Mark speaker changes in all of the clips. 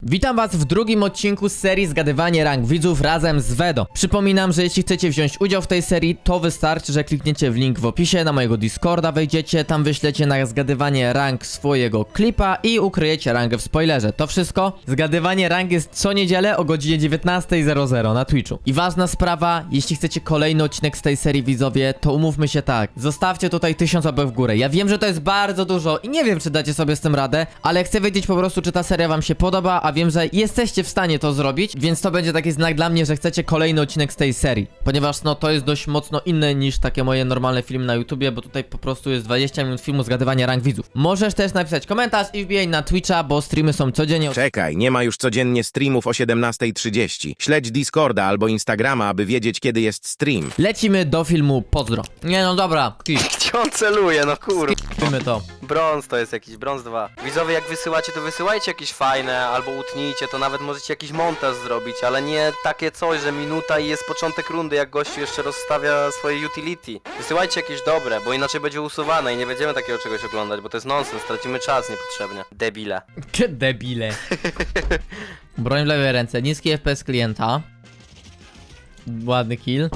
Speaker 1: Witam was w drugim odcinku z serii Zgadywanie rank widzów razem z Wedo. Przypominam, że jeśli chcecie wziąć udział w tej serii, to wystarczy, że klikniecie w link w opisie, na mojego Discorda wejdziecie, tam wyślecie na zgadywanie rank swojego klipa i ukryjecie rangę w spoilerze. To wszystko. Zgadywanie rank jest co niedzielę o godzinie 19:00 na Twitchu. I ważna sprawa, jeśli chcecie kolejny odcinek z tej serii widzowie, to umówmy się tak. Zostawcie tutaj 1000 łapek w górę. Ja wiem, że to jest bardzo dużo i nie wiem, czy dacie sobie z tym radę, ale chcę wiedzieć po prostu, czy ta seria wam się podoba, a wiem, że jesteście w stanie to zrobić, więc to będzie taki znak dla mnie, że chcecie kolejny odcinek z tej serii. Ponieważ no to jest dość mocno inne niż takie moje normalne filmy na YouTubie, bo tutaj po prostu jest 20 minut filmu zgadywania rank widzów. Możesz też napisać komentarz i wbijaj na Twitcha, bo streamy są codziennie.
Speaker 2: Czekaj, nie ma już codziennie streamów o 17:30. Śledź Discorda albo Instagrama, aby wiedzieć, kiedy jest stream.
Speaker 1: Lecimy do filmu, pozdro. Nie no dobra,
Speaker 3: Gdzie on celuje, no kur...
Speaker 1: skipmy to.
Speaker 3: Brąz to jest jakiś, brąz 2. Widzowie, jak wysyłacie, to wysyłajcie jakieś fajne, albo utnijcie, to nawet możecie jakiś montaż zrobić, ale nie takie coś, że minuta i jest początek rundy, jak gościu jeszcze rozstawia swoje utility. Wysyłajcie jakieś dobre, bo inaczej będzie usuwane i nie będziemy takiego czegoś oglądać, bo to jest nonsens, tracimy czas niepotrzebnie. Debile.
Speaker 1: Debile. Broń w lewej ręce, niski FPS klienta. Ładny kill.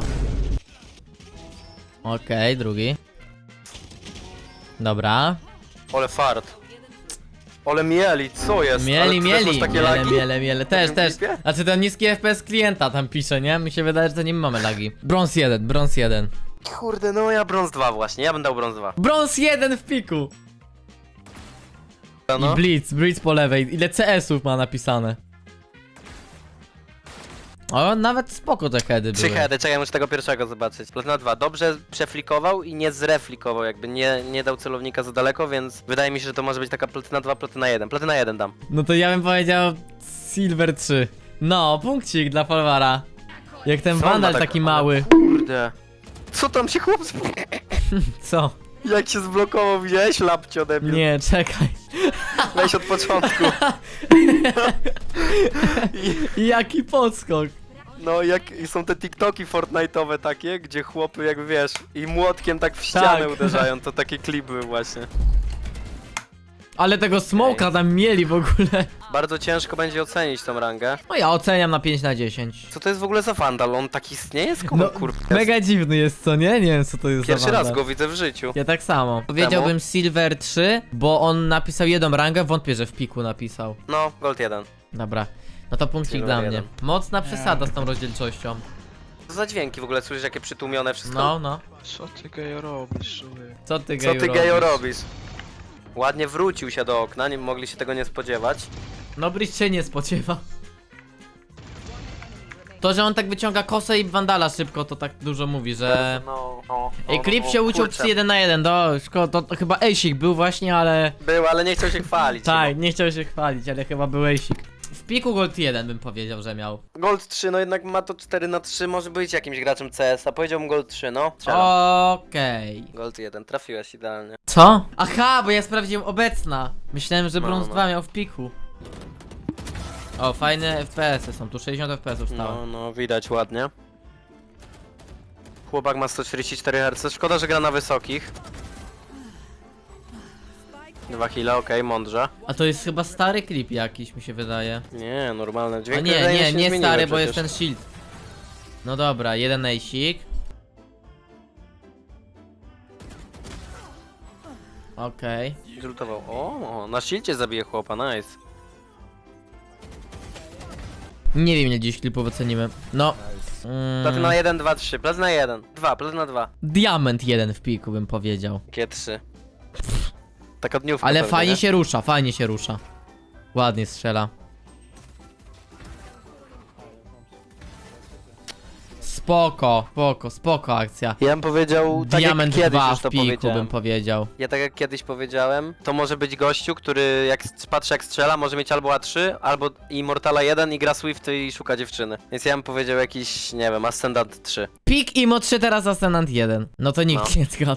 Speaker 1: Okej, drugi. Dobra.
Speaker 3: Ole fart. Ole mieli, co jest? Ale
Speaker 1: Mieli,
Speaker 3: ty też masz
Speaker 1: mieli,
Speaker 3: takie lagi?
Speaker 1: miele. Też,
Speaker 3: tym
Speaker 1: też.
Speaker 3: klipie?
Speaker 1: Znaczy ten niski FPS klienta tam pisze, nie? Mi się wydaje, że to nie mamy lagi. Brąz 1, brąz 1.
Speaker 3: Kurde, no ja brąz 2 właśnie, ja bym dał brąz 2.
Speaker 1: Brąz 1 w piku!
Speaker 3: No.
Speaker 1: I Blitz po lewej. Ile CS-ów ma napisane? O, nawet spoko te heady
Speaker 3: 3
Speaker 1: były.
Speaker 3: heady, czekaj, muszę tego pierwszego zobaczyć. Platyna 2, dobrze przeflikował i nie zreflikował, jakby nie dał celownika za daleko, więc wydaje mi się, że to może być taka platyna 2, platyna 1. Platyna 1 dam.
Speaker 1: No to ja bym powiedział Silver 3. No, punkcik dla Folwara. Jak ten
Speaker 3: Co on ma
Speaker 1: Vandal
Speaker 3: tak-
Speaker 1: taki
Speaker 3: ale
Speaker 1: mały.
Speaker 3: Kurde. Co tam się chłop
Speaker 1: Co?
Speaker 3: Jak się zblokował, widziałeś? Lapcio debil.
Speaker 1: Nie, czekaj.
Speaker 3: Weź od początku.
Speaker 1: Jaki podskok.
Speaker 3: No jak są te TikToki Fortnite'owe takie, gdzie chłopy jak wiesz i młotkiem tak w ścianę
Speaker 1: Tak.
Speaker 3: uderzają, to takie klipy były właśnie.
Speaker 1: Ale tego smoka tam mieli w ogóle.
Speaker 3: Bardzo ciężko będzie ocenić tą rangę.
Speaker 1: No ja oceniam na 5 na 10.
Speaker 3: Co to jest w ogóle za Vandal? On tak istnieje? Skąd
Speaker 1: No,
Speaker 3: kurwa?
Speaker 1: mega dziwny jest, co nie? Nie wiem, co to jest
Speaker 3: Pierwszy
Speaker 1: za
Speaker 3: raz
Speaker 1: Vandal.
Speaker 3: go widzę w życiu.
Speaker 1: Ja tak samo. Powiedziałbym Silver 3, bo on napisał jedną rangę, wątpię, że w piku napisał.
Speaker 3: No, Gold 1.
Speaker 1: Dobra. No to punkcik
Speaker 3: Silver
Speaker 1: dla mnie.
Speaker 3: 1.
Speaker 1: Mocna przesada z tą rozdzielczością.
Speaker 3: Co za dźwięki w ogóle? Słyszysz jakie przytłumione wszystko?
Speaker 1: No, no.
Speaker 4: Co ty gejo robisz, człowiek?
Speaker 1: Co ty
Speaker 3: Co
Speaker 1: geju
Speaker 3: ty gejo
Speaker 1: robisz?
Speaker 3: robisz? Ładnie wrócił się do okna, nie mogli się tego nie spodziewać.
Speaker 1: No Bridge się nie spodziewa. To, że on tak wyciąga kosę i Vandala szybko, to tak dużo mówi, że...
Speaker 3: No,
Speaker 1: Ej, klip się uciął przy 1 na 1, to chyba Ejsik był właśnie, ale...
Speaker 3: Był, ale nie chciał się chwalić.
Speaker 1: Tak, nie chciał się chwalić, ale chyba był Ejsik. W piku Gold 1 bym powiedział, że miał.
Speaker 3: Gold 3, no jednak ma to 4 na 3, może być jakimś graczem CS, a powiedziałbym Gold 3, no. Strzelam.
Speaker 1: Okej.
Speaker 3: Gold 1, trafiłeś idealnie.
Speaker 1: Co? Aha, bo ja sprawdziłem obecna. Myślałem, że
Speaker 3: No,
Speaker 1: brąz
Speaker 3: no.
Speaker 1: 2 miał w piku. O, fajne FPS-y są, tu 60 FPS-ów stało.
Speaker 3: No, widać ładnie. Chłopak ma 144 Hz, szkoda, że gra na wysokich. 2 hila, okej, mądrze.
Speaker 1: A to jest chyba stary klip jakiś, mi się wydaje.
Speaker 3: Nie, normalne
Speaker 1: A
Speaker 3: dźwięki.
Speaker 1: nie,
Speaker 3: wydaje mi
Speaker 1: nie,
Speaker 3: się,
Speaker 1: nie
Speaker 3: zmieniły
Speaker 1: stary, bo jest
Speaker 3: przecież.
Speaker 1: ten shield. No dobra, jeden Ejsik. Okej.
Speaker 3: Zlutował. O, na silcie zabije chłopa, nice.
Speaker 1: Nie wiem, ile dziś klipów ocenimy. No.
Speaker 3: Platyna 1, 2, 3, platyna 1, 2, platyna 2.
Speaker 1: Diament jeden w piku, bym powiedział.
Speaker 3: G3. Taka dniówka
Speaker 1: Ale
Speaker 3: pewnie,
Speaker 1: fajnie
Speaker 3: nie?
Speaker 1: się rusza, fajnie się rusza. Ładnie strzela. Spoko akcja.
Speaker 3: Ja bym powiedział tak
Speaker 1: Diament
Speaker 3: jak kiedyś
Speaker 1: 2
Speaker 3: już
Speaker 1: w
Speaker 3: to
Speaker 1: piku,
Speaker 3: powiedziałem.
Speaker 1: bym powiedział.
Speaker 3: Ja tak jak kiedyś powiedziałem, to może być gościu, który jak patrzy jak strzela, może mieć albo A3, albo Immortala 1 i gra Swifty i szuka dziewczyny. Więc ja bym powiedział jakiś, nie wiem, Ascendant 3.
Speaker 1: Pik i Mo 3 teraz Ascendant 1. No to nikt
Speaker 3: No.
Speaker 1: nie zgadł.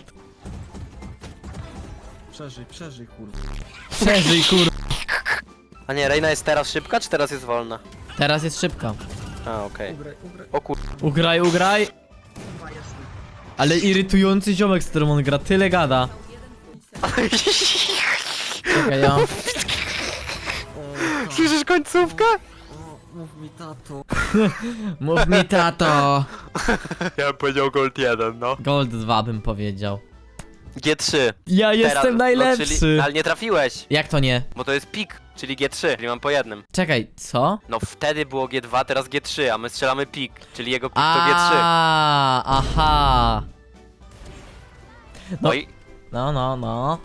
Speaker 4: Przeżyj, kurwa.
Speaker 1: Przeżyj kur...
Speaker 3: A nie, Reina jest teraz szybka, czy teraz jest wolna?
Speaker 1: Teraz jest szybka.
Speaker 3: A, okej. O kur...
Speaker 1: Ugraj. Ale irytujący ziomek, z którym on gra, tyle gada. Czekaj, ja...
Speaker 3: Słyszysz końcówkę?
Speaker 4: Mów mi tato.
Speaker 1: Mów mi, tato.
Speaker 3: Ja bym powiedział Gold 1, no.
Speaker 1: Gold 2 bym powiedział.
Speaker 3: G3.
Speaker 1: Ja jestem najlepszy.
Speaker 3: No, czyli, ale nie trafiłeś,
Speaker 1: Jak to nie?
Speaker 3: bo to jest pik, czyli G3, czyli mam po jednym.
Speaker 1: Czekaj, co?
Speaker 3: No wtedy było G2, teraz G3, a my strzelamy pik, czyli jego pik to G3.
Speaker 1: Aha.
Speaker 3: No
Speaker 1: no.
Speaker 3: i
Speaker 1: No.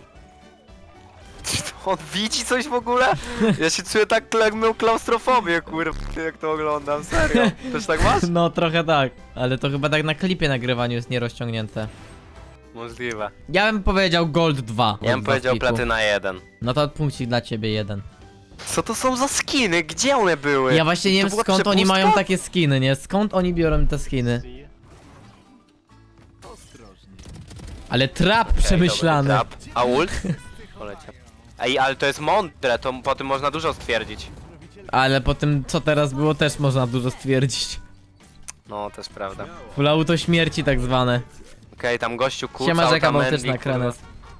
Speaker 3: on widzi coś w ogóle? Ja się czuję tak, jak miał klaustrofobię, kurwa, jak to oglądam, serio. Też tak masz?
Speaker 1: No trochę tak, ale to chyba tak na klipie nagrywaniu jest nierozciągnięte.
Speaker 3: Możliwe.
Speaker 1: Ja bym powiedział Gold 2.
Speaker 3: Ja bym
Speaker 1: Gold 2
Speaker 3: powiedział
Speaker 1: w piku.
Speaker 3: Platyna 1.
Speaker 1: No to punkcik dla ciebie 1.
Speaker 3: Co to są za skiny? Gdzie one były?
Speaker 1: Ja właśnie nie
Speaker 3: To
Speaker 1: wiem
Speaker 3: była
Speaker 1: skąd oni
Speaker 3: przepustka?
Speaker 1: mają takie skiny, nie? Skąd oni biorą te skiny? Ale trap przemyślany.
Speaker 3: Dobry trap. A ult? Poleciał. Ej, ale to jest mądre, to po tym można dużo stwierdzić.
Speaker 1: Ale po tym co teraz było też można dużo stwierdzić.
Speaker 3: No, też prawda.
Speaker 1: Full auto śmierci tak zwane.
Speaker 3: Okej, tam gościu kucał,
Speaker 1: Siema rzeka
Speaker 3: tam
Speaker 1: bałtyczna,
Speaker 3: Mandy,
Speaker 1: Krenes.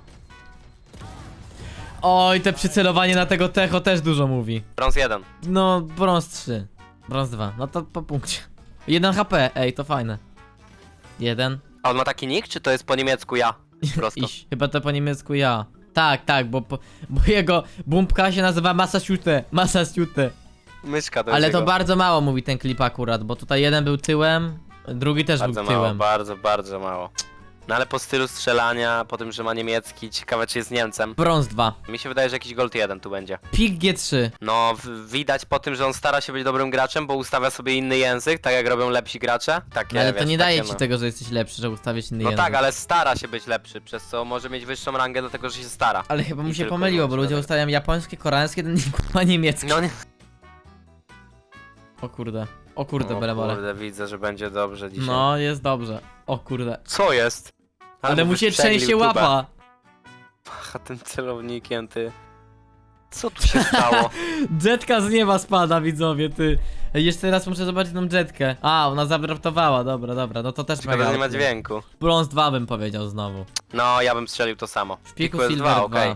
Speaker 1: Oj, te przycelowanie na tego techo też dużo mówi.
Speaker 3: Brąz 1.
Speaker 1: No, brąz 3. Brąz 2. No to po punkcie. 1 HP, ej, to fajne. 1.
Speaker 3: A on ma taki nick, czy to jest po niemiecku ja? Prosto.
Speaker 1: Iś. Chyba to po niemiecku ja. Tak, bo jego bumpka się nazywa Massachusetts.
Speaker 3: Myszka to
Speaker 1: Ale
Speaker 3: jest
Speaker 1: to
Speaker 3: jego.
Speaker 1: bardzo mało mówi ten klip akurat, bo tutaj jeden był tyłem, drugi też
Speaker 3: Bardzo
Speaker 1: był
Speaker 3: mało,
Speaker 1: tyłem.
Speaker 3: bardzo mało. No ale po stylu strzelania, po tym, że ma niemiecki, ciekawe czy jest Niemcem.
Speaker 1: Brąz 2.
Speaker 3: Mi się wydaje, że jakiś Gold 1 tu będzie.
Speaker 1: Pik G3.
Speaker 3: No, widać po tym, że on stara się być dobrym graczem, bo ustawia sobie inny język, tak jak robią lepsi gracze. Takie,
Speaker 1: Ale to
Speaker 3: wiesz,
Speaker 1: nie daje
Speaker 3: takie,
Speaker 1: ci
Speaker 3: no.
Speaker 1: tego, że jesteś lepszy, że ustawiać inny
Speaker 3: No
Speaker 1: język.
Speaker 3: tak, ale stara się być lepszy, przez co może mieć wyższą rangę, dlatego że się stara.
Speaker 1: Ale chyba mu
Speaker 3: I
Speaker 1: się
Speaker 3: tylko
Speaker 1: pomyliło, bo
Speaker 3: wyłącznie
Speaker 1: ludzie
Speaker 3: dlatego.
Speaker 1: ustawiają japońskie, koreańskie, ten kurwa niemiecki.
Speaker 3: No nie.
Speaker 1: O kurde, belebole.
Speaker 3: Kurde, widzę, że będzie dobrze dzisiaj.
Speaker 1: No, jest dobrze. O kurde.
Speaker 3: Co jest?
Speaker 1: Ale mu się trzęsie łapa.
Speaker 3: Pacha tym celownikiem, ty. Co tu się stało?
Speaker 1: Jetka z nieba spada, widzowie, ty. Jeszcze raz muszę zobaczyć tą jetkę. A, ona zabraptowała, dobra, no to też
Speaker 3: Szkoda,
Speaker 1: mega.
Speaker 3: że nie ma dźwięku.
Speaker 1: Brąz 2 bym powiedział znowu.
Speaker 3: No, ja bym strzelił to samo.
Speaker 1: W piku
Speaker 3: jest
Speaker 1: Silver 2.
Speaker 3: okej.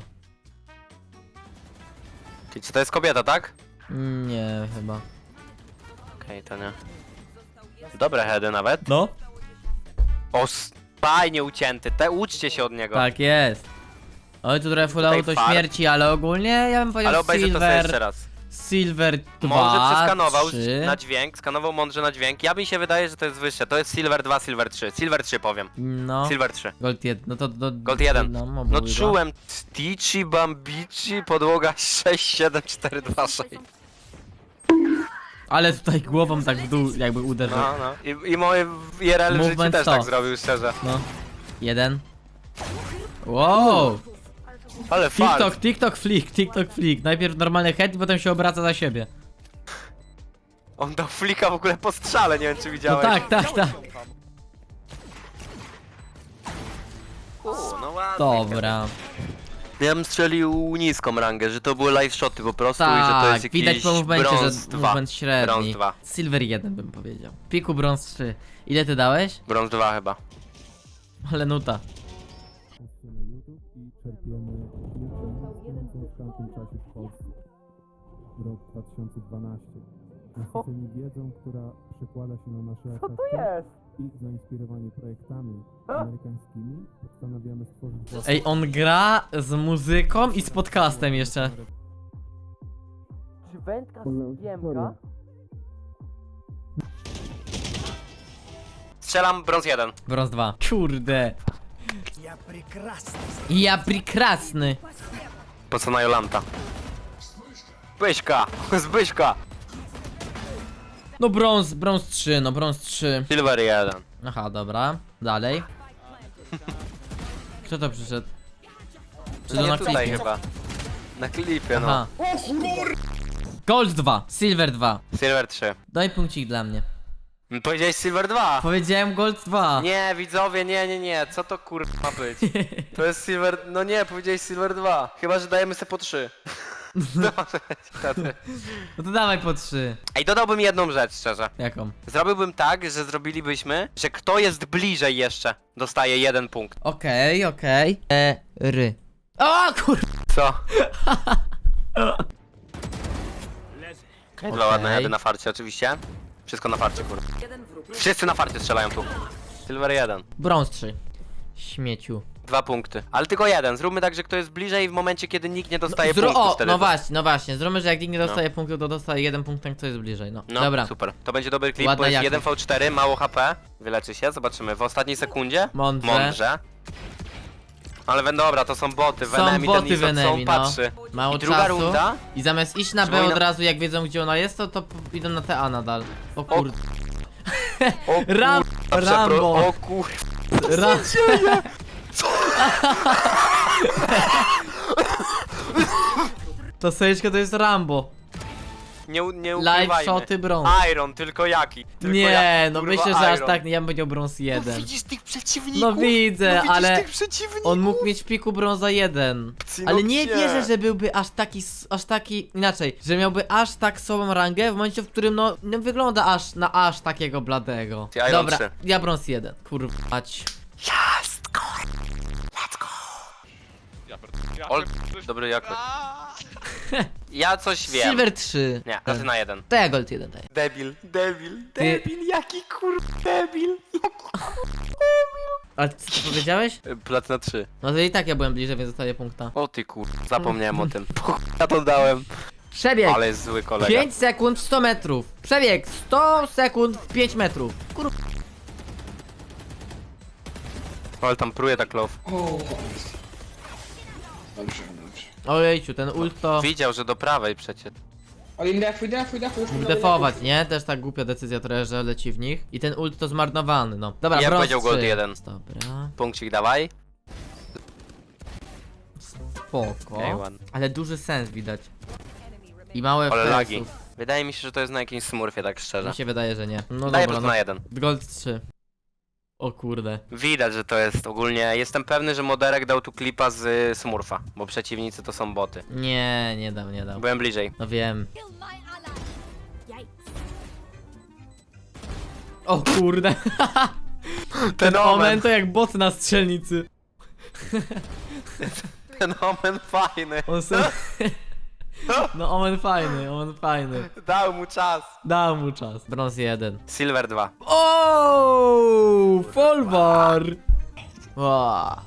Speaker 3: Czyli czy to jest kobieta, tak?
Speaker 1: Nie, chyba.
Speaker 3: Okej, to nie. Dobre heady nawet.
Speaker 1: No?
Speaker 3: O, fajnie ucięty. Uczcie się od niego.
Speaker 1: Tak jest. Oj, tu trochę full
Speaker 3: Tutaj
Speaker 1: auto
Speaker 3: fart.
Speaker 1: śmierci, ale ogólnie ja bym powiedział
Speaker 3: Ale obejrzę to sobie jeszcze
Speaker 1: Silver,
Speaker 3: raz.
Speaker 1: Silver 2,
Speaker 3: Mądrze przeskanował
Speaker 1: 3.
Speaker 3: na dźwięk, skanował mądrze na dźwięk. Ja mi się wydaje, że to jest wyższe. To jest Silver 2, Silver 3. Silver 3 powiem.
Speaker 1: No,
Speaker 3: Silver 3.
Speaker 1: Gold 1, no to
Speaker 3: Gold 1.
Speaker 1: No,
Speaker 3: No czułem Tici, Bambici, podłoga 6, 7, 4, 2, 6.
Speaker 1: Ale tutaj głową tak w dół jakby uderzył.
Speaker 3: No. I moje IRL w życiu
Speaker 1: Movement
Speaker 3: też
Speaker 1: 100.
Speaker 3: tak zrobił, szczerze.
Speaker 1: No. 1. Wow!
Speaker 3: Ale fart.
Speaker 1: TikTok flick. Najpierw normalny head i potem się obraca za siebie.
Speaker 3: On dał flika w ogóle po strzale, nie wiem czy
Speaker 1: No
Speaker 3: widziałeś.
Speaker 1: tak.
Speaker 3: No ładnie.
Speaker 1: Dobra.
Speaker 3: Ja bym strzelił niską rangę, że to były live shoty po prostu i że to
Speaker 1: Tak,
Speaker 3: jest jakiś
Speaker 1: widać po movemencie,
Speaker 3: brąz
Speaker 1: że
Speaker 3: 2.
Speaker 1: movement średni.
Speaker 3: Brąz 2.
Speaker 1: Silver 1 bym powiedział. Piku brąz 3. Ile ty dałeś?
Speaker 3: Brąz 2 chyba.
Speaker 1: Ale nuta.
Speaker 5: na YouTube i czerpiemy wiedzę w tamtym czasie w Polsce. Rok 2012. Nasyceni wiedzą, która przekłada się na nasze efekty i zainspirowani projektami amerykańskimi postanawiamy stworzyć własne...
Speaker 1: Ej, on gra z muzyką i z podcastem jeszcze.
Speaker 3: Czy wędka
Speaker 5: Historia.
Speaker 3: Strzelam brąz 1.
Speaker 1: Brąz 2. Kurde. Ja prekrasny.
Speaker 3: Po co na Jolanta? Zbyśka! Zbyśka!
Speaker 1: No brąz 3, no brąz 3.
Speaker 3: Silver 1.
Speaker 1: Aha, dobra. Dalej. Kto to przyszedł? Czy to
Speaker 3: Nie
Speaker 1: na
Speaker 3: tutaj
Speaker 1: klipie?
Speaker 3: chyba. Na klipie, no.
Speaker 1: Aha. Gold 2, Silver 2.
Speaker 3: Silver 3.
Speaker 1: Daj punkcik dla mnie.
Speaker 3: Powiedziałeś Silver 2!
Speaker 1: Powiedziałem Gold 2.
Speaker 3: Nie, widzowie, nie. Co to kurwa ma być? To jest Silver... No nie, powiedziałeś Silver 2. Chyba, że dajemy sobie po 3. No
Speaker 1: No to dawaj po 3.
Speaker 3: Ej, dodałbym jedną rzecz, szczerze.
Speaker 1: Jaką?
Speaker 3: Zrobiłbym tak, że zrobilibyśmy, że kto jest bliżej jeszcze, dostaje 1 punkt.
Speaker 1: Okej. O kur...
Speaker 3: Co? Okej, dwa ładne heady na farcie oczywiście. Wszystko na farcie, kurwa. Wszyscy na farcie strzelają tu. Silver 1.
Speaker 1: Brąz 3. Śmieciu.
Speaker 3: 2 punkty. Ale tylko jeden. Zróbmy tak, że kto jest bliżej w momencie, kiedy nikt nie dostaje punktów
Speaker 1: O,
Speaker 3: wtedy.
Speaker 1: no właśnie. Zróbmy, że jak nikt nie dostaje punktu, to dostaje 1 punkt, ten kto jest bliżej, no.
Speaker 3: No,
Speaker 1: Dobra.
Speaker 3: super. To będzie dobry klip,
Speaker 1: Ładna
Speaker 3: bo jest
Speaker 1: jakość.
Speaker 3: 1v4, mało HP. Wyleczy się, zobaczymy. W ostatniej sekundzie.
Speaker 1: Mądrze.
Speaker 3: Mądrze. Ale dobra, to są boty.
Speaker 1: Są
Speaker 3: Venemi,
Speaker 1: boty
Speaker 3: ten Nizok,
Speaker 1: Venemi,
Speaker 3: są
Speaker 1: no.
Speaker 3: patrzy.
Speaker 1: Mało
Speaker 3: I druga
Speaker 1: czasu.
Speaker 3: runda.
Speaker 1: I zamiast iść na B
Speaker 3: Przypomina-
Speaker 1: od razu, jak wiedzą gdzie ona jest, to idą na TA nadal. O kurde.
Speaker 3: O
Speaker 1: Rambo.
Speaker 3: O kur...
Speaker 1: To sejczko to jest Rambo.
Speaker 3: Nie
Speaker 1: Live
Speaker 3: ukrywajmy.
Speaker 1: shoty brąz.
Speaker 3: Iron, tylko jaki? Tylko
Speaker 1: Nie,
Speaker 3: jaki,
Speaker 1: no
Speaker 3: kurwa,
Speaker 1: myślę, że aż
Speaker 3: Iron.
Speaker 1: tak nie, ja bym powiedział brąz 1.
Speaker 3: Widzisz tych przeciwników?
Speaker 1: No widzę,
Speaker 3: widzisz
Speaker 1: ale
Speaker 3: tych przeciwników?
Speaker 1: on mógł mieć w piku brąza 1.
Speaker 3: No
Speaker 1: Ale nie
Speaker 3: gdzie?
Speaker 1: wierzę, że byłby aż taki, inaczej, że miałby aż tak słabą rangę w momencie, w którym no nie wygląda aż takiego bladego.
Speaker 3: Iron
Speaker 1: Dobra,
Speaker 3: 3.
Speaker 1: ja brąz 1, kurwa mać.
Speaker 3: Jest, let's go. Dobry jakoś. Ja coś wiem.
Speaker 1: Silver 3.
Speaker 3: Nie, platyna 1.
Speaker 1: To ja gold 1 daję.
Speaker 3: Debil, jaki debil.
Speaker 1: Ale co powiedziałeś?
Speaker 3: Platyna 3.
Speaker 1: No to i tak ja byłem bliżej, więc dostaję punkta.
Speaker 3: O ty zapomniałem o tym. Ja to dałem.
Speaker 1: Przebieg!
Speaker 3: Ale jest zły kolega.
Speaker 1: 5 sekund w 100 metrów. Przebieg 100 sekund w 5 metrów.
Speaker 3: Ale tam pruje tak low.
Speaker 6: Dobrze, dobrze.
Speaker 1: Ojejciu, ten ult to
Speaker 3: Widział, że do prawej przecież.
Speaker 6: Ale defuj, już
Speaker 1: mógł defować, nie? Też tak głupia decyzja trochę, że leci w nich. I ten ult to zmarnowany, no. Dobra,
Speaker 3: Ja
Speaker 1: brąz
Speaker 3: powiedział gold
Speaker 1: 3.
Speaker 3: 1.
Speaker 1: Dobra,
Speaker 3: Punkcik dawaj.
Speaker 1: spoko.
Speaker 3: Okej, ładnie.
Speaker 1: Ale duży sens widać. I małe
Speaker 3: Ale lagi.
Speaker 1: FPS-ów.
Speaker 3: Wydaje mi się, że to jest na jakimś smurfie, tak szczerze.
Speaker 1: Mi się wydaje, że nie. No
Speaker 3: Daję
Speaker 1: dobra,
Speaker 3: plus
Speaker 1: no.
Speaker 3: na 1.
Speaker 1: Gold 3. O kurde.
Speaker 3: Widać, że to jest ogólnie. Jestem pewny, że Moderek dał tu klipa z smurfa, bo przeciwnicy to są boty.
Speaker 1: Nie dam.
Speaker 3: Byłem bliżej.
Speaker 1: No wiem. O kurde. Ten omen to jak bot na strzelnicy.
Speaker 3: Ten omen fajny.
Speaker 1: On se... No omen fajny.
Speaker 3: Dał mu czas.
Speaker 1: Dał mu czas. Brąz 1.
Speaker 3: Silver 2.
Speaker 1: O, Folwar. Wow.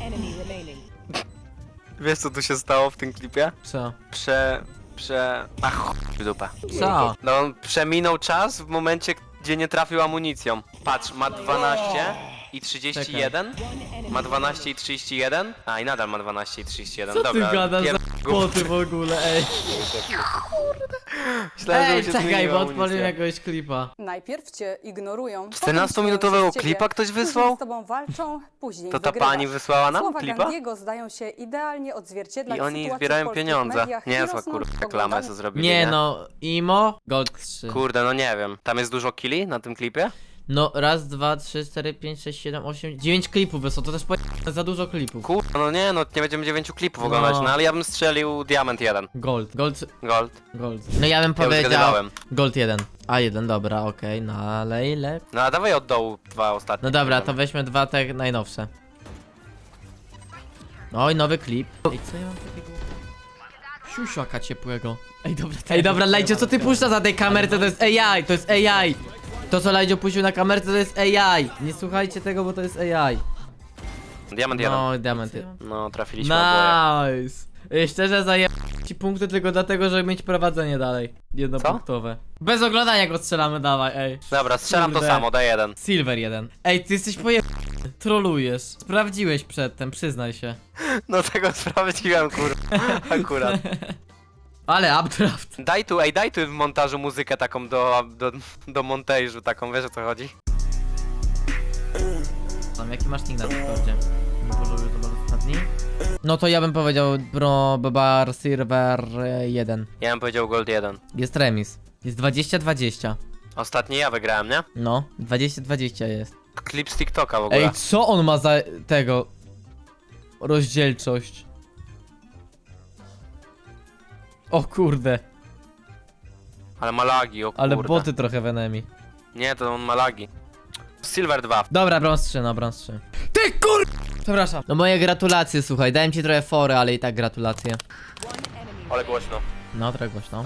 Speaker 3: Wiesz co tu się stało w tym klipie?
Speaker 1: Co?
Speaker 3: Ach, chuj w dupę.
Speaker 1: Co?
Speaker 3: No on przeminął czas w momencie, gdzie nie trafił amunicją. Patrz, ma 12 i 31. Ma 12 i 31. A i nadal ma 12 i 31.
Speaker 1: Co
Speaker 3: Dobra,
Speaker 1: ty gadasz za
Speaker 3: pier-
Speaker 1: boty w ogóle, ej?
Speaker 3: Myślałem, że
Speaker 1: Ej,
Speaker 3: mu się
Speaker 1: czekaj,
Speaker 3: zmieniła
Speaker 1: bo odpaliłem
Speaker 3: amunicja.
Speaker 1: jakiegoś klipa.
Speaker 7: Najpierw cię ignorują.
Speaker 3: 14-minutowego klipa ktoś wysłał?
Speaker 7: Później z tobą walczą, później
Speaker 3: To ta
Speaker 7: wygrywasz.
Speaker 3: pani wysłała nam
Speaker 7: Słowa
Speaker 3: klipa?
Speaker 7: Gandiego zdają się idealnie odzwierciedlać
Speaker 3: I oni
Speaker 7: sytuację w
Speaker 3: zbierają
Speaker 7: polskich
Speaker 3: pieniądze.
Speaker 7: mediach i
Speaker 3: Niezła
Speaker 7: rosną
Speaker 3: kurwa
Speaker 7: w
Speaker 3: reklamę
Speaker 7: oglądaniu.
Speaker 3: co zrobili,
Speaker 1: Nie no, Imo, Gold 3.
Speaker 3: Kurde, no nie wiem. Tam jest dużo killi na tym klipie?
Speaker 1: No, raz, 2, 3, 4, 5, 6, 7, 8, 9 klipów wysłał, to też za dużo klipów.
Speaker 3: Kurde, no nie, no nie będziemy 9 klipów oglądać,
Speaker 1: No.
Speaker 3: no ale ja bym strzelił Diament 1.
Speaker 1: Gold.
Speaker 3: Gold.
Speaker 1: No ja bym
Speaker 3: Ja już
Speaker 1: powiedział
Speaker 3: zgadywałem.
Speaker 1: Gold 1. A 1, dobra, okej, nalej lep.
Speaker 3: No a dawaj od dołu 2 ostatnie.
Speaker 1: No dobra, to weźmy 2 te najnowsze. Oj, nowy klip. Ej, co ja mam takiego? Siusiaka ciepłego. Ej, dobra, Lajdzio, co ty puszczasz na tej kamerce? To jest AI, To co Lajdzio puścił na kamerce to jest AI. Nie słuchajcie tego, bo to jest AI.
Speaker 3: Diament 1.
Speaker 1: No, diamenty.
Speaker 3: No, trafiliśmy oboje.
Speaker 1: Nice. Szczerze zaję ci punkty tylko dlatego, żeby mieć prowadzenie dalej. Jednopunktowe. Bez oglądania go strzelamy, dawaj, ej.
Speaker 3: Dobra, strzelam to
Speaker 1: Kurde.
Speaker 3: samo, daj 1.
Speaker 1: Silver 1. Ej, ty jesteś trolujesz. Sprawdziłeś przedtem, przyznaj się.
Speaker 3: No tego sprawdziłem, kurwa. Akurat.
Speaker 1: Ale updraft.
Speaker 3: Daj tu w montażu muzykę taką do montażu, taką, wiesz o co chodzi?
Speaker 1: Tam, jaki masz nick na Discordzie? Nie polubię to bardzo ostatni. No to ja bym powiedział Bar Silver 1.
Speaker 3: Ja bym powiedział Gold 1.
Speaker 1: Jest remis. Jest 20-20.
Speaker 3: Ostatni ja wygrałem, nie?
Speaker 1: No, 20-20 jest.
Speaker 3: Klip z TikToka w ogóle.
Speaker 1: Ej, co on ma za tego? Rozdzielczość. O kurde,
Speaker 3: Ale ma lagi, o kurde.
Speaker 1: ale boty trochę w enemy.
Speaker 3: Nie, to on ma lagi. Silver 2.
Speaker 1: Dobra, brąz 3, no brąz 3. Ty kur... Przepraszam. No moje gratulacje, słuchaj, dałem ci trochę fory, ale i tak gratulacje.
Speaker 3: Ale głośno.
Speaker 1: No, trochę głośno.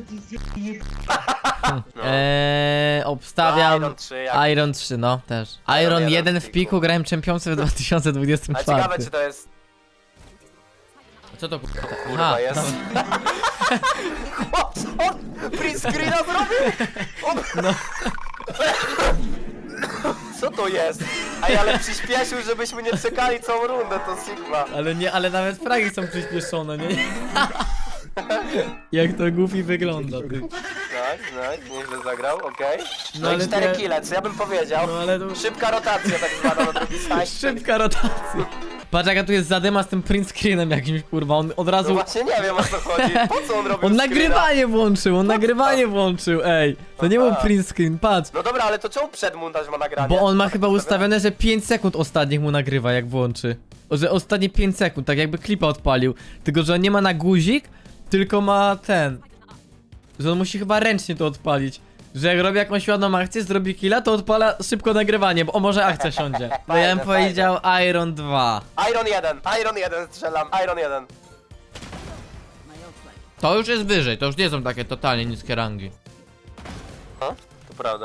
Speaker 3: No.
Speaker 1: Obstawiam...
Speaker 3: Iron 3, jak...
Speaker 1: Iron 3, no, też.
Speaker 3: Iron
Speaker 1: Iron
Speaker 3: 1
Speaker 1: 1
Speaker 3: w
Speaker 1: w
Speaker 3: piku.
Speaker 1: piku grałem czempionce w
Speaker 3: A
Speaker 1: 2024.
Speaker 3: ciekawe czy to jest...
Speaker 1: Co to kurwa?
Speaker 3: Kurwa
Speaker 1: Aha,
Speaker 3: jest. O, co on print screena zrobił? On... Co to jest? Ej, ale przyspieszył, żebyśmy nie czekali całą rundę, to Sigma.
Speaker 1: ale nawet fragi są przyspieszone, nie? Jak to goofy wygląda, ty.
Speaker 3: Nice, nieźle zagrał, okej.
Speaker 1: No
Speaker 3: No,
Speaker 1: ale
Speaker 3: i 4
Speaker 1: nie-
Speaker 3: kile, co ja bym powiedział.
Speaker 1: No ale to...
Speaker 3: Szybka rotacja tak zwana na drugi side.
Speaker 1: Szybka rotacja. Patrz jaka tu jest zadyma z tym print screenem jakimś, kurwa, on od
Speaker 3: No
Speaker 1: razu...
Speaker 3: właśnie nie wiem o co chodzi. Po co on robił
Speaker 1: On
Speaker 3: screena?
Speaker 1: nagrywanie włączył, ej. To nie był
Speaker 3: Aha.
Speaker 1: print screen, patrz.
Speaker 3: No dobra, ale to czemu przed montaż ma nagranie?
Speaker 1: Bo on ma
Speaker 3: Tak
Speaker 1: chyba
Speaker 3: ustawione?
Speaker 1: ustawione, że 5 sekund ostatnich mu nagrywa, jak włączy. Że ostatnie 5 sekund, tak jakby klipa odpalił. Tylko, że on nie ma na guzik, tylko ma ten. Że on musi chyba ręcznie to odpalić. Że jak robi jakąś ładną akcję, zrobi killa, to odpala szybko nagrywanie, bo o może akcja siądzie. No ja bym
Speaker 3: Fajne,
Speaker 1: powiedział Iron 2.
Speaker 3: Iron 1 strzelam, Iron 1.
Speaker 1: To już jest wyżej, to już nie są takie totalnie niskie rangi.
Speaker 3: No, to prawda.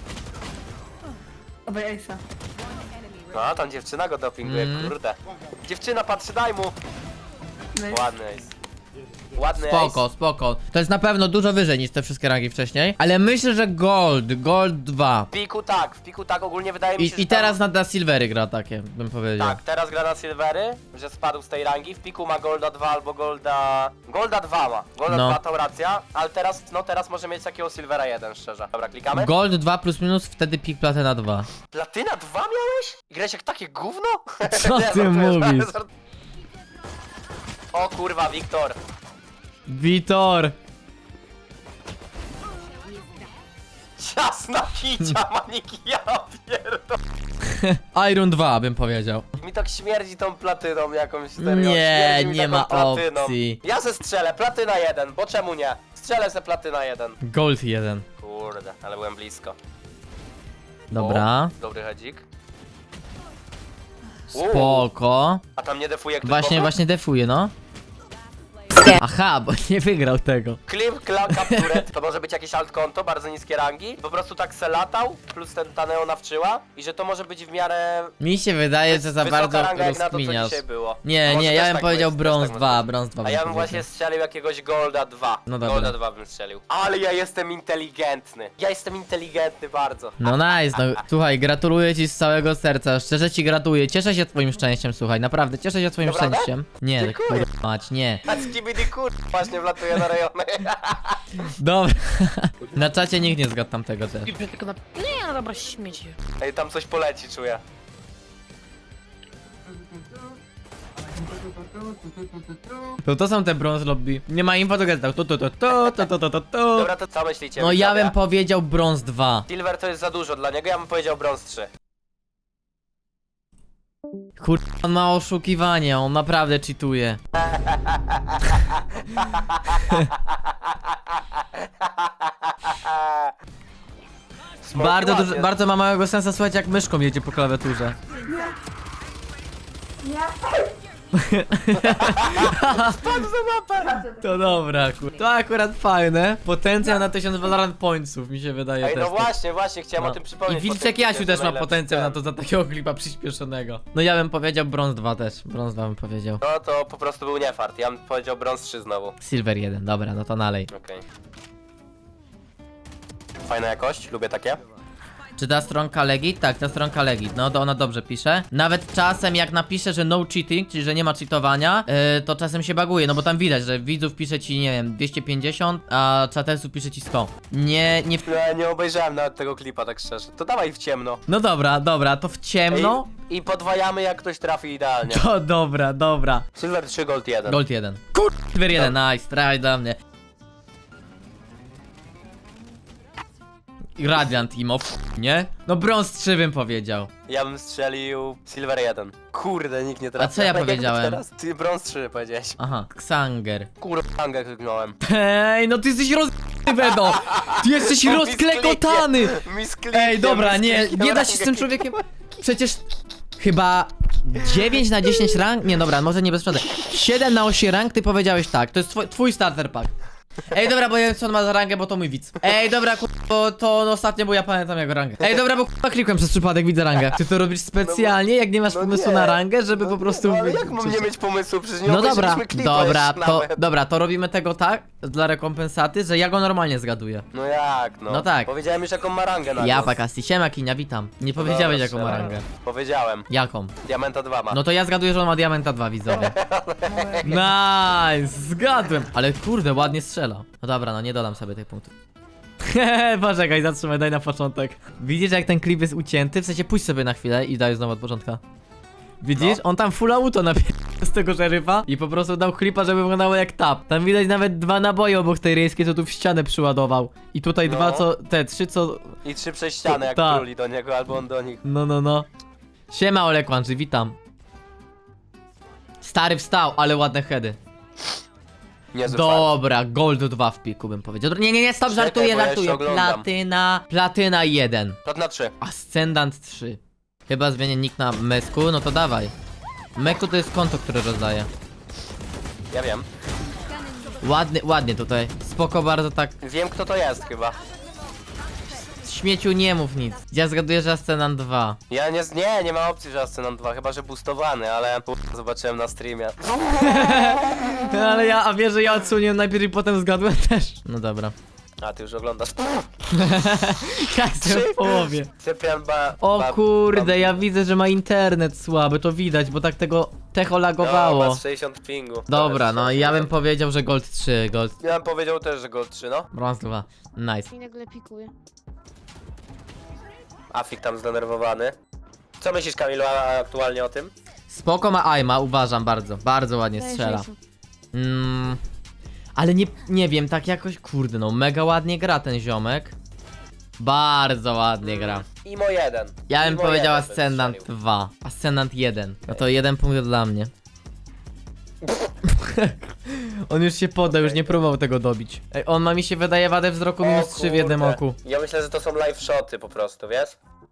Speaker 8: Obaj Ace'a.
Speaker 3: No, tam dziewczyna go dopinguje, kurde. Dziewczyna, patrzy, daj mu.
Speaker 8: Nice.
Speaker 3: Ładny ace. Ładny
Speaker 1: Spoko,
Speaker 3: ace.
Speaker 1: spoko. To jest na pewno dużo wyżej niż te wszystkie rangi wcześniej. Ale myślę, że Gold 2.
Speaker 3: W piku tak, ogólnie wydaje mi się, że
Speaker 1: I teraz na Silvery gra takie, bym powiedział.
Speaker 3: Tak, teraz gra na Silvery, że spadł z tej rangi. W piku ma Golda 2 albo Golda 2 ma. Golda
Speaker 1: No.
Speaker 3: 2 to racja, ale teraz może mieć takiego Silvera 1, szczerze. Dobra, klikamy.
Speaker 1: Gold 2 plus minus, wtedy pik Platyna 2.
Speaker 3: Platyna 2 miałeś? I grałeś jak takie gówno?
Speaker 1: Co
Speaker 3: Nie,
Speaker 1: ty
Speaker 3: żartuję,
Speaker 1: mówisz?
Speaker 3: O kurwa, Wiktor.
Speaker 1: Witor!
Speaker 3: Ciasna kicia, maniki, ja pierdol.
Speaker 1: Iron 2 bym powiedział.
Speaker 3: Mi tak śmierdzi tą platyną jakąś serio.
Speaker 1: Nie,
Speaker 3: Śmierdzi mi
Speaker 1: nie
Speaker 3: taką
Speaker 1: ma
Speaker 3: platyną.
Speaker 1: opcji.
Speaker 3: Ja se strzelę, platyna 1, bo czemu nie? Strzelę se platyna 1.
Speaker 1: Gold 1.
Speaker 3: Kurde, ale byłem blisko.
Speaker 1: Dobra.
Speaker 3: O, dobry hedzik.
Speaker 1: Spoko.
Speaker 3: A tam nie defuje ktoś
Speaker 1: Właśnie,
Speaker 3: boku?
Speaker 1: defuje, no. Aha, bo nie wygrał tego.
Speaker 3: Clip, capture, to może być jakieś altkonto, bardzo niskie rangi. Po prostu tak se latał, plus ta neonawczyła. I że to może być w miarę
Speaker 1: Mi się wydaje, że za
Speaker 3: wysoka
Speaker 1: bardzo
Speaker 3: ranga jak na to, co
Speaker 1: rozkminiasz.
Speaker 3: dzisiaj było.
Speaker 1: Nie,
Speaker 3: Może
Speaker 1: nie,
Speaker 3: też
Speaker 1: ja bym
Speaker 3: tak
Speaker 1: powiedział
Speaker 3: być,
Speaker 1: brąz
Speaker 3: też tak
Speaker 1: 2,
Speaker 3: może być.
Speaker 1: brąz 2
Speaker 3: A
Speaker 1: bym
Speaker 3: ja bym
Speaker 1: powiedział.
Speaker 3: właśnie strzelił jakiegoś Golda 2.
Speaker 1: No dobra.
Speaker 3: Golda 2 bym strzelił. Ale ja jestem inteligentny. Ja jestem inteligentny bardzo.
Speaker 1: No nice, no słuchaj, gratuluję ci z całego serca, szczerze ci gratuluję, cieszę się twoim szczęściem, słuchaj, naprawdę, cieszę się twoim
Speaker 3: Naprawdę?
Speaker 1: szczęściem. Nie,
Speaker 3: Dziękuję.
Speaker 1: kurwa mać, nie.
Speaker 3: A skibidi kur... właśnie wlatuje na rejony.
Speaker 1: Dobra, na czacie nikt nie zgadł tamtego też.
Speaker 8: Tylko na... Nie, no dobra, śmieci.
Speaker 3: Ej, tam coś poleci, czuję.
Speaker 1: To są te brąz lobby, nie ma info, to gadał, to.
Speaker 3: Dobra, to co myślicie?
Speaker 1: No ja
Speaker 3: widzowie?
Speaker 1: bym powiedział brąz 2.
Speaker 3: Silver to jest za dużo dla niego, ja bym powiedział brąz 3.
Speaker 1: Kurwa, on ma oszukiwanie, on naprawdę cheatuje. Bardzo ma małego sensa słuchać jak myszką jedzie po klawiaturze. To dobra, kur... To akurat fajne. Potencjał na 1000 Valorant Pointsów mi się wydaje
Speaker 3: Ej,
Speaker 1: też.
Speaker 3: no właśnie, chciałem o tym
Speaker 1: I
Speaker 3: przypomnieć.
Speaker 1: Wilczek
Speaker 3: bo
Speaker 1: Jasiu
Speaker 3: jest
Speaker 1: też ma
Speaker 3: najlepszy
Speaker 1: potencjał na
Speaker 3: ten.
Speaker 1: to za takiego klipa przyspieszonego. No ja bym powiedział brąz 2 też. Brąz 2 bym powiedział.
Speaker 3: No to po prostu był niefart, ja bym powiedział brąz 3 znowu.
Speaker 1: Silver 1, dobra, no to nalej.
Speaker 3: Okej. Fajna jakość, lubię takie.
Speaker 1: Czy ta stronka legit? Tak, ta stronka legit, no to ona dobrze pisze. Nawet czasem jak napisze, że no cheating, czyli że nie ma cheatowania, to czasem się baguje, no bo tam widać, że widzów pisze ci, nie wiem, 250, a chatesów pisze ci 100. Nie.
Speaker 3: Ja nie obejrzałem nawet tego klipa, tak szczerze. To dawaj w ciemno.
Speaker 1: No dobra, to w ciemno.
Speaker 3: I podwajamy jak ktoś trafi idealnie.
Speaker 1: To dobra.
Speaker 3: Silver 3, Gold 1.
Speaker 1: Gold 1. Silver 1, nice, traj dla mnie. Radiant Imo, nie? No brąz 3 bym powiedział.
Speaker 3: Ja bym strzelił Silver 1. Kurde, nikt nie trafi.
Speaker 1: A co ja
Speaker 3: Jak
Speaker 1: powiedziałem?
Speaker 3: teraz? Ty brąz 3 powiedziałeś.
Speaker 1: Aha, Xanger.
Speaker 3: Kurwa, hangę kliknąłem.
Speaker 1: Ej, no ty jesteś Wedo! Ty jesteś rozklekotany! Ej, dobra, nie da się z tym człowiekiem. Przecież chyba 9 na 10 rank? Nie, dobra, może nie bez przesady. 7 na 8 rank ty powiedziałeś tak, to jest twój starter pack. Ej, dobra, bo ja wiem co on ma za rangę, bo to mój widz. Ej, dobra, bo to on ostatnio, bo ja pamiętam jego rangę. Ej, dobra, bo klikłem przez przypadek, widzę rangę. Ty to robisz specjalnie, jak nie masz pomysłu
Speaker 3: nie.
Speaker 1: na rangę, żeby po prostu...
Speaker 3: No, ale jak mam nie mieć pomysłu? Przecież nie
Speaker 1: No dobra,
Speaker 3: obejrzeliśmy klipa jeszcze nawet.
Speaker 1: dobra, to robimy tego tak, dla rekompensaty, że ja go normalnie zgaduję.
Speaker 3: No jak, no?
Speaker 1: No tak.
Speaker 3: Powiedziałem już jaką ma rangę na
Speaker 1: Ja,
Speaker 3: głos.
Speaker 1: Pakasti, siema Kinia, witam. Nie powiedziałeś jaką ma rangę.
Speaker 3: Powiedziałem.
Speaker 1: Jaką?
Speaker 3: Diamenta 2 ma.
Speaker 1: No to ja zgaduję, że on ma Diamenta 2, widzowie. Nice, zgadłem. Ale kurde, ładnie strzela. No dobra, no nie dodam sobie tych punktów. Poczekaj, zatrzymaj, daj na początek. Widzisz, jak ten klip jest ucięty? W sensie pójdź sobie na chwilę i daj znowu od początka. Widzisz?
Speaker 3: No.
Speaker 1: On tam full auto z tego szeryfa i po prostu dał klipa, żeby wyglądało jak tap. Tam widać nawet 2 naboje obok tej rejskiej, co tu w ścianę przyładował. I tutaj
Speaker 3: No.
Speaker 1: 2 co, te 3 co...
Speaker 3: I 3 przez ścianę, jak
Speaker 1: Tak.
Speaker 3: kruli do niego, albo on do nich.
Speaker 1: No. Siema Olek Łączy, witam. Stary wstał, ale ładne heady.
Speaker 3: Niezły fart.
Speaker 1: Dobra, Gold 2 w piku bym powiedział. Nie, stop,
Speaker 3: Czekaj,
Speaker 1: żartuję,
Speaker 3: bo ja jeszcze oglądam.
Speaker 1: Platyna 1.
Speaker 3: Plat na 3.
Speaker 1: Ascendant 3. Chyba zmienię nick na Mesku, no to dawaj. Meku to jest konto, które rozdaje.
Speaker 3: Ja wiem.
Speaker 1: Ładnie tutaj. Spoko bardzo tak.
Speaker 3: Wiem kto to jest chyba.
Speaker 1: Śmieciu nie mów nic. Ja zgaduję, że Ascendant 2.
Speaker 3: Ja nie ma opcji, że Ascendant 2, chyba że boostowany, ale zobaczyłem na streamie.
Speaker 1: Ale a wiesz, że ja odsunię najpierw i potem zgadłem też. No dobra.
Speaker 3: A ty już oglądasz.
Speaker 1: Jak w połowie.
Speaker 3: Cyprian
Speaker 1: O kurde, ja widzę, że ma internet słaby, to widać, bo tak tego techo
Speaker 3: No,
Speaker 1: lagowało.
Speaker 3: ma 60 pingu.
Speaker 1: Dobra, no ja bym powiedział, że Gold 3, Gold
Speaker 3: Ja bym powiedział też, że Gold 3, no.
Speaker 1: Bronze 2. Nice.
Speaker 8: I nagle pikuje.
Speaker 3: Afik tam zdenerwowany. Co myślisz, Kamilu, aktualnie o tym?
Speaker 1: Spoko ma aima, uważam bardzo ładnie
Speaker 8: Daję
Speaker 1: strzela.
Speaker 8: 60.
Speaker 1: Ale nie wiem, tak jakoś, kurde no, mega ładnie gra ten ziomek. Bardzo ładnie gra.
Speaker 3: Imo 1.
Speaker 1: Ja bym
Speaker 3: Imo
Speaker 1: powiedział
Speaker 3: 1 bym
Speaker 1: Ascendant
Speaker 3: strzelił.
Speaker 1: 2. Ascendant 1. No to 1 punkt dla mnie. On już się podał, już nie próbował tego dobić. Ej, on ma mi się wydaje wadę wzroku
Speaker 3: O
Speaker 1: minus 3 w jednym
Speaker 3: kurde.
Speaker 1: oku.
Speaker 3: Ja myślę, że to są live shoty po prostu, wiesz?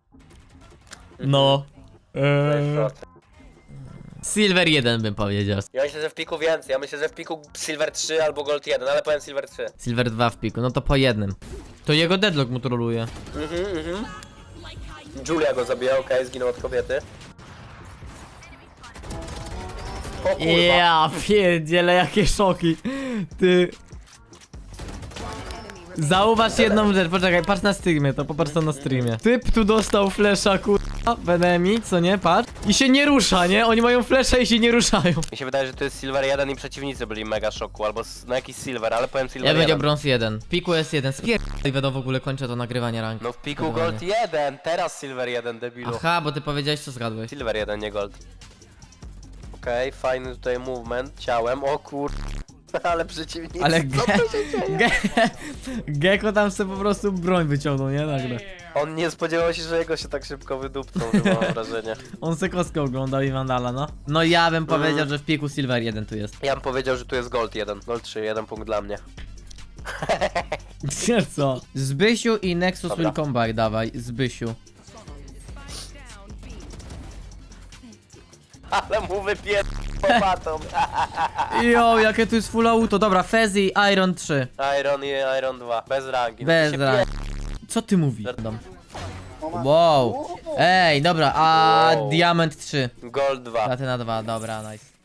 Speaker 1: No.
Speaker 3: Live shoty.
Speaker 1: Silver 1 bym powiedział.
Speaker 3: Ja myślę, że w piku więcej. Ja myślę, że w piku Silver 3 albo Gold 1, ale powiem Silver 3.
Speaker 1: Silver 2 w piku, no to po jednym. To jego deadlock mu troluje.
Speaker 3: Julia go zabija, okej, zginął od kobiety. O kurwa.
Speaker 1: Ja pierdziele, jakie szoki. Ty. Zauważ jedną rzecz, poczekaj, patrz na streamie, to popatrz to na streamie. Typ tu dostał flesza, kurwa, w enemy, co nie, patrz. I się nie rusza, nie? Oni mają flesza i się nie ruszają.
Speaker 3: Mi się wydaje, że to jest Silver 1 i przeciwnicy byli mega szoku, albo no jakiś Silver, ale powiem Silver
Speaker 1: Ja
Speaker 3: 1.
Speaker 1: powiedział Bronze 1. W piku jest 1. Spierdolaj, będą w ogóle kończę to nagrywanie rank.
Speaker 3: No w piku Gold 1, teraz Silver 1, debilu.
Speaker 1: Aha, bo ty powiedziałeś, co zgadłeś.
Speaker 3: Silver 1, nie Gold. Okej, fajny tutaj movement ciałem, o kur... Ale przeciwnicy,
Speaker 1: Ale
Speaker 3: co to się dzieje?
Speaker 1: Gecko tam sobie po prostu broń wyciągnął, nie? Nagle.
Speaker 3: On nie spodziewał się, że jego się tak szybko wydupcą, chyba mam wrażenie.
Speaker 1: On se kostkę oglądał i Vandala, no. No ja bym powiedział, że w piku Silver 1 tu jest.
Speaker 3: Ja bym powiedział, że tu jest Gold 1, Gold 3, 1 punkt dla mnie.
Speaker 1: Co? Zbysiu i Nexus
Speaker 3: Dobra.
Speaker 1: will come back, dawaj, Zbysiu.
Speaker 3: Ale mu wypier... popatą.
Speaker 1: Jo, jakie tu jest full auto, dobra, Fezzy, Iron 3.
Speaker 3: Iron i Iron 2, bez rangi. No
Speaker 1: Bez
Speaker 3: to się
Speaker 1: rangi. Co ty mówisz? Wow. Ej, dobra, a
Speaker 3: Wow.
Speaker 1: Diament 3.
Speaker 3: Gold 2.
Speaker 1: Platyna 2, dobra, nice.